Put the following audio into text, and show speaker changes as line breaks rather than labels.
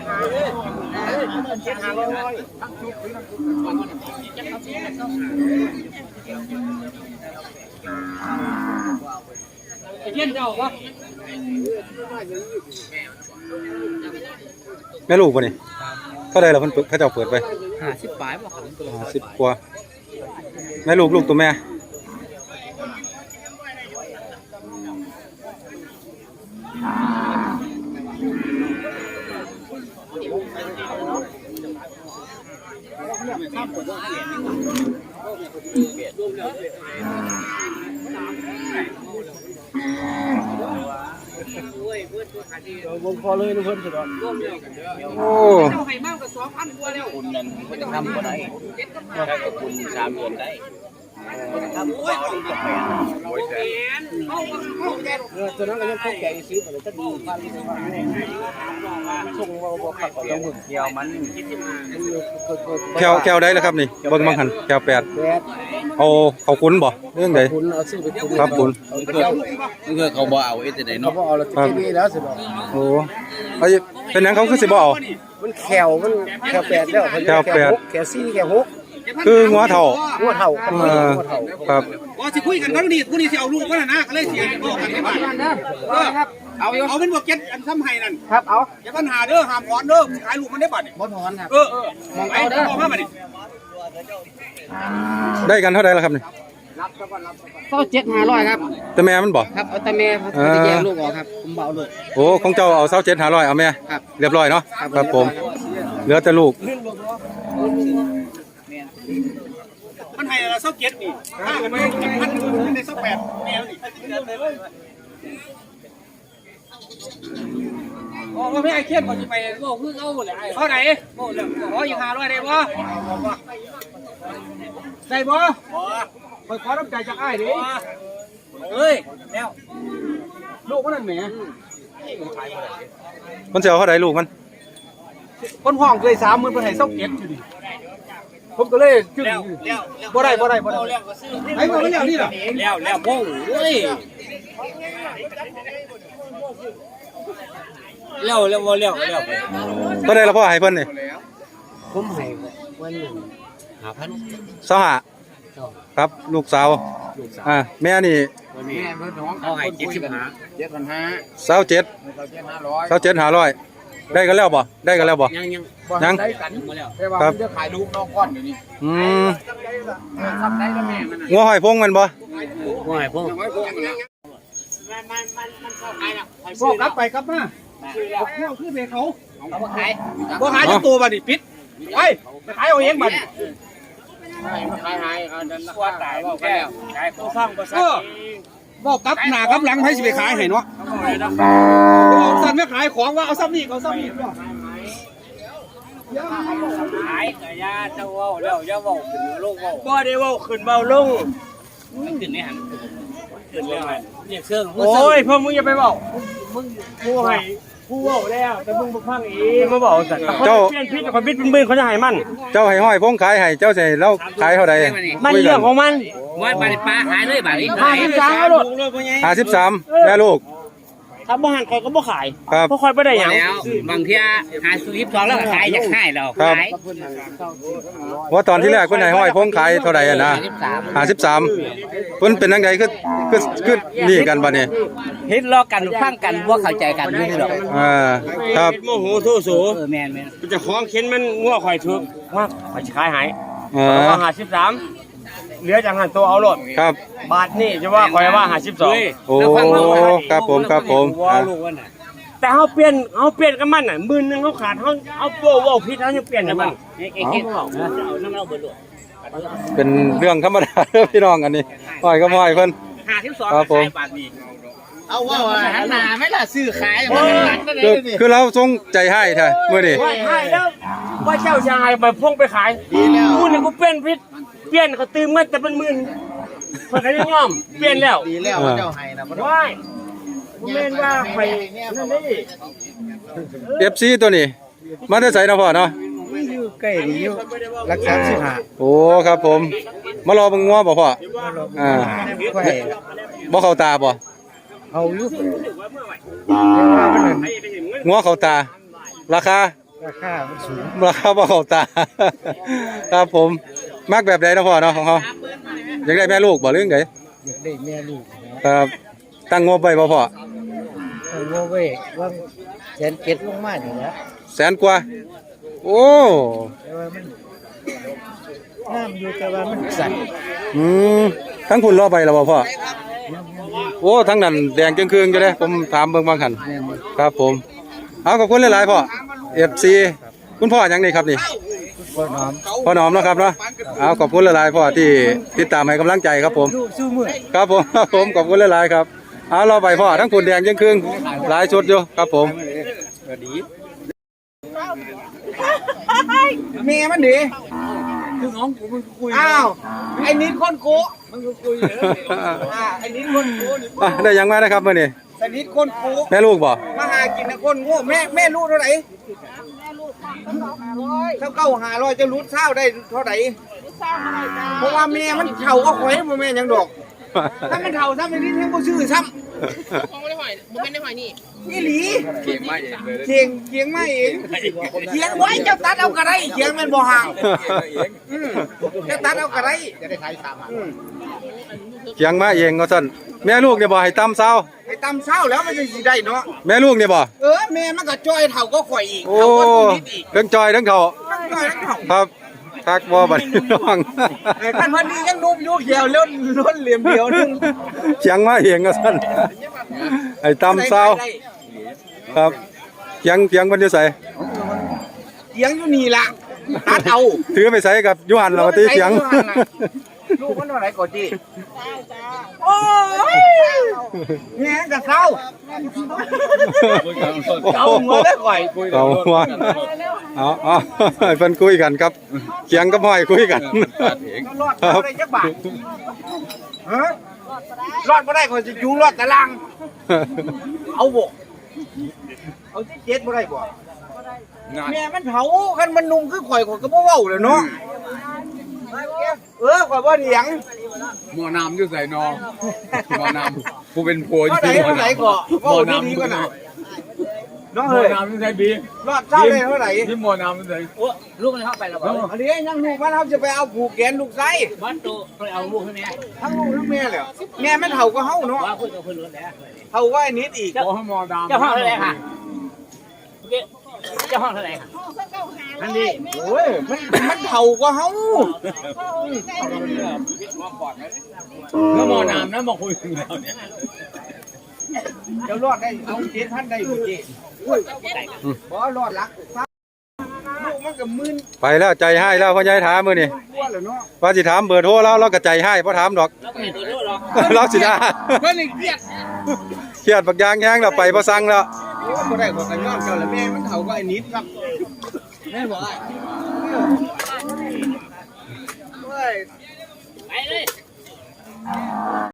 เย็นเจ้าวะ
แม่ลูกป่ะนี่เท่าไรเราเพิ่นเขาเจ้าเปิดไป
50 ปลายบ่ครับ
50 กว่าแม่ลูกตัวแม่
วงคอเลยนะเพิ่นสุดยอด
โอ้
ให้มากกว่า 2,000 กว่าแล้วคุณนั่นบ่จะทำบ่ได้ถ้ากับคุณ3 เดือนได้ทำบ่เอาดีแม่โอ้ยแสนตอนนั้นก็ยังเข้าใจซื้อไปเลยก็ดีพันส่งบ่ขัดต่อจังหวะเดียวมัน
แควได้แล้วครับนี่เบิ่งมังหันแคว8เอาเขาคุ้นบ่เรื่องใดครับคุ้น
เพื่อเขาบ่เอาแต่ไหนเนาะเขาบ่เอาแล้วทีนี้แล้วสิบ่
โอ้เป็นหยังเขาคือสิบ่เอา
มันแคว8แล้ว
แคว
4แคว6
คือหัวเท่าครับ
ว่าสิคุยกันก็นี่ผู้นี้สิเอาลูกก็นะก็เลยเสียบอกกันให้บ้าน
ครับ
เอาเป็นบวกเก็ตอันซ้ำไห้นั่น
ครับเอา
อย่าปัญหาเด้อห้ามถอนเด้อขายลูกมันได้บัด
บ่ถอนครับ
มองเอาเด้อมองมาบัดนี้
ได้กันเท่าใดล่ะครับนี่
27,500ครับ
แต่แม่มันบ่
ครับเอาแต่แม่จะแยกลูกออกครับผมเบาลูก
โอ้ของเจ้าเอา27,500เอาแม่เรียบร้อยเนาะครับผมเหลือแต่ลูก
มันให้เราเก็ตนี่ถ้ากันไม่พันใน28แนวนี่โอ้ไม่ไอ้เขียนก่อนจะไปโง่คือเอาหมดเลยเท่าไหร่โง่เลยขออีก500ได้บ่ได้บ่ขอน้ำใจจากอ้ายดิเอ้ยแล้วลูกมันนั่นแหม
มันจะเอาเท่าใดลูกมัน
คนห้องเคย30,000เพิ่นให้เก็ตอยู่ดิผมก็เลยจึงบ่ได้ไอ้บ่แล้วนี่ล่ะแล้วโง่เอ้ยแล้ว
ก็ได้แล้วพ่อให้เพิ่นนี่
ผมให้วันนึง5,000
ครับลูกสาวแม่นี่
แม่เพิ่นน้องเขาให้7,500
27,500ได้กันแล้วบ่ยัง
ได้กันแต่ว่ามันจะขายลูกน้องก้อนอยู่นี่ทำได้แล้วแม่มัน
งัวหอยพงมันบ่
งัวหอยพงมันเข้าขายแล้ว
พ่อกลับไปกลับมาพ่อคือเบเขา
บ่ขาย
ทั้งตัวบัดนี้ปิดไปขายเอาเองบัด
ขายเขาดันว่าตายว่าแก้วขายผู้ฟังภาษา
บอกกับหน้ากับหลังให้สิไปขายให้เนาะเอาสั่นไม่ขายของว่าเอาซ้ำนี่บ่
ขายกะยาเจ้าเว้าแล้วอย่าเว้าขึ้นลงเว้า
บ่ได้เว้าขึ้นเว้าลง
ขึ้นในหันขึ้นแล้วเนี่ยเชิง
โอ้ยพวกมึงอย่าไปเว้ามึงผู้ให้ผู้เว้าแล้วแต่มึงบ่ฟังอีกมาเว้าสั่นเจ้าเปลี่ยนพิษกับพิษเป็นมือเขาจะให้มัน
เจ้าให้ห้อยพงขายให้เจ้าสิแล้วขายเท่าใด
มันเรื่องของมัน
ว่าบาดปลาขายเลยบาดนี้
53เอาลูก
53แม่ลูก
ถ้าบ่หันข่อยก็บ่ขายเพราะข่อยบ่ได้หยัง
บางเที่ย52แล้วก็ขายอยากขายแล้วขาย
ว่าตอนที่แรกเพิ่นให้ห้อยพงขายเท่าใดอ่ะนะ53เพิ่นเป็นจังไดคือนี่กันบัดนี้
เฮ็ดล้อกันฟังกันบ่เข้าใจกันอยู่นี่ดอก
ครับ
โมโหโทโส
แม่น
ๆจะของเข็นมันงัวข่อยถูกมากข่อยสิขายให้53เหลือจังหันตัวเอาโลด
ครับ
บาทนี่จะว่าข่อยว่า52
โอ้ครับผม
แต่เฮาเปลี่ยนกับมันน่ะมื้อนึงเฮาขาดเฮาโป้เว้าผิดเฮายังเปลี่ยนกับมัน
เอาน้ำเอาเบิดโลด
เป็นเรื่องธรรมดาพี่น้องอันนี้ห้อยก็ห้อยเพิ่น
52
ครับผม
เอาว่าหันหน้าไม่ล่ะซื้อขาย
คือเราทรงใจให้แท้มื้อนี้
ให้แล้วว่าเจ้าชายไปพงไปขายกูนี่กูเป็นพิษเปลี่ยนเขาตื่มเงินแต่เป็นหมื่นเพิ่นก็ยังยอมเปลี่ยนแล้ว
ดีแล้วเจ้าให้นะบ่
ได้บ่แม่นว่าไปนั่นนี่
FC ตัวนี้มาได้ใส่เนาะพ่อเนาะ
อยู่ใกล้นี่อยู่รัก35
โอ้ครับผมมารอเบิ่งงัวบ่พ่อบ่เข้าตาบ่
เอาอยู่
งัวเข้าตาราคา
ราคามันสูง
ราคาบ่เข้าตา ครับผมมักแบบใดเนาะพ่อเนาะของเขาอยากได้แม่ลูกบ่หรือไง
อยากได้แม่ลูกนะครับ
ตั้งงบไว้บ่พ่อ
เอาโง่ไว้ว่าแสนเจ็ดลงมานี่นะ
แสนกว่าโอ้
แต่ว่ามันน้ำอยู่แต่ว่ามันสั่น
ทั้งคุณรอไปแล้วบ่พ่อโอ้ทั้งนั้นแดงจึงคืนอยู่เด้ผมถามเบิ่งบางคัน
แม่น
ครับผมเอาขอบคุณหลายๆพ่อ FC คุณพ่อหยังนี่ครับนี่
พ่อน้อม
พ่อหนอมเนาะครับเนาะเอาขอบคุณหลายๆพ่อที่ติดตามให้กำลังใจครับผม
สู้มือ
ครับผมครับผมขอบคุณหลายๆครับเอาเราไปพ่อทั้งคุณแดงยังครึ่งหลายชุดอยู่ครับผม
เมียมันดีคือน้องกูมึงคุยอ้าวไอ้นิดคนโก้มึงคุยไอ้นิดคนโก้
ได้ยังมานะครับมื่อนี้
ไอ้นิดคนโก้
แม่ลูกบ่
มาหากินนะคนโง่แม่ลูกเท่าไหร่เท่า900จะรู้เท่าได้เท่าไหร่เพราะว่าแม่มันเท่าก็ข่อยบ่แม่ยังดอกถ้ามันเท่าถ้ามันนิดแท้บ่ชื่อซ้ำ
ของไม่ได้หอยมันไม่ได้หอยนี่
นี่หลีเคียงไม่เองเคียงไว้เจ้าตัดเอากระไรเคียงมันบ่ห่างเจ้าตัดเอากระไรจะได้ขาย3
เขียงมาเองก็สั่นแม่ลูกเนี่ยบ่ให้ตำเซา
ไอ้ตำเช้าแล้วมันจะสิได้เนาะ
แม่ลูกเนี่ยบ่
แม่มันก็จ้อยเท่าก็ข่อยอีก
โอ้
เท่าก็นิดอีก
ทั้งจอยทั้งเขา
จ้อยทั้งเท่า
ครับทักบ่บัดนี้น้อง
ท่านวันนี้ยังนุ่มอยู่เขียวล้นเหลี่ยมเดียวนึง
เขียงมาเองก็สั่นให้ตำเซาครับเขียงมันอยู่ไส
เคียงอยู่นี่ล่ะตัดเอา
ถือไปใส่กับยูหันเราตีเขียง
ลูกมันเท่าไหร่ก่อนจีโอ้ยแง่กับเศร้าเก่าหัวได้ก่อย
เอาว่าเอาให้เพิ่นคุยกันครับเขียงกับห้อยคุยกัน
รอดอะไรจักบาทฮะรอดไม่ได้ก่อนจะอยู่รอดตารางเอาบกเอาที่เจ็ดไม่ได้บ่แม่มันเผาคันมันนุ่มคือข่อยก็บ่เว้าเลยเนาะข่อยบ่เถียง
หมอน้ำอยู่ใส่นอหมอน้ำกูเป็นผัวอยู่
เท่าไหร่
ที่หมอ
เท่าไหร่
น้ำ
ก็เว้าดีๆก็น่ะน้อง
หมอ
เฮ้ย
น้ำอยู่ใส่บี
รอดเท่าไหร่เท่าไหร่
ที่หมอน้ำอยู่ใส่
ลูกมันเข้าไปแล้ว
อันนี้ยังลูกมันเขาจะไปเอาผูกแขนลูกไส้
บ้านโตไปเอาลูกให้แม่
ทั้งลูกทั้งแม่เลยแม่มันเฒ่าก็เฮาเนาะ
ว่าคุยกับเพื่อนรถแล้ว
เฒ่าว่าไอ้นิดอีก
ขอให้หมอน้ำ
เจ้าห้องเท่าไหร่ค่ะเจ้าห้องเท่าไหร่ค่ะนั่นดิ
โอ้ยมันเฒ่าก็เฮา
แล้วหมอน้ำนะมาคุยกันแล้วเนี่ย
เดี๋ยวรอดได้เอา7,000ได้อยู่จีบ่รอดลักลูกมันก็มึน
ไปแล้วใจให้แล้วพ่อใหญ่ถามมื้อนี้
กลัวแล้วเนาะ
ว่าสิถามเบอร์โทรแล้วเราก็ใจให้บ่ถามดอก
แล้วก็ไม่ตัวรู้หรอก
เราสิได้
เพิ่นนี่เครียด
เครียดบักยางแห้งแล้วไปบ่สั่งแล้ว
โอ้บ่ได้ขอกระย้อนเจ้าละแม่มันเฒ่าก็ไอ้นิดครับแม่บ่ได้เฮ้ย
ไปเลย